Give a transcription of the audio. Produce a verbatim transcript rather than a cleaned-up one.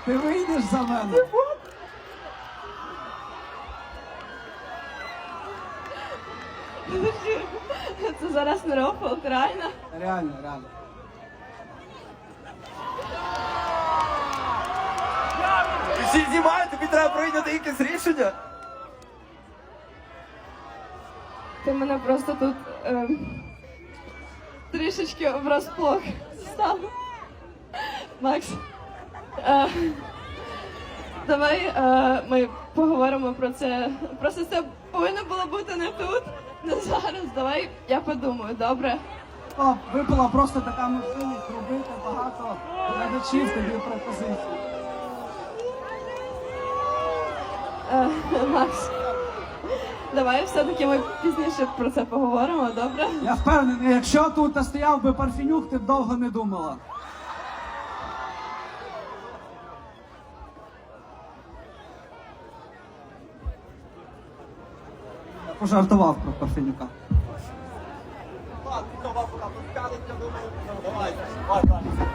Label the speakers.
Speaker 1: Ти вийдеш за мене?
Speaker 2: Це зараз не рофл, реально?
Speaker 1: Реально, реально.
Speaker 3: Всі знімають, тобі треба прийняти якесь рішення.
Speaker 2: Ти мене просто тут е, трішечки врасплох став. Макс, е, давай е, ми поговоримо про це. Просто це повинно було бути не тут, не зараз. Давай я подумаю, добре?
Speaker 1: О, випала просто така можливість робити багато глядачів тобі пропозицій.
Speaker 2: Е, Макс, давай все-таки ми пізніше про це поговоримо, добре?
Speaker 1: Я впевнений, якщо тут стояв би Парфенюк, ти б довго не думала. Я пожартував про Парфенюка.
Speaker 3: Ладно, давай, пока пускали, я думаю, давай, давай, давай.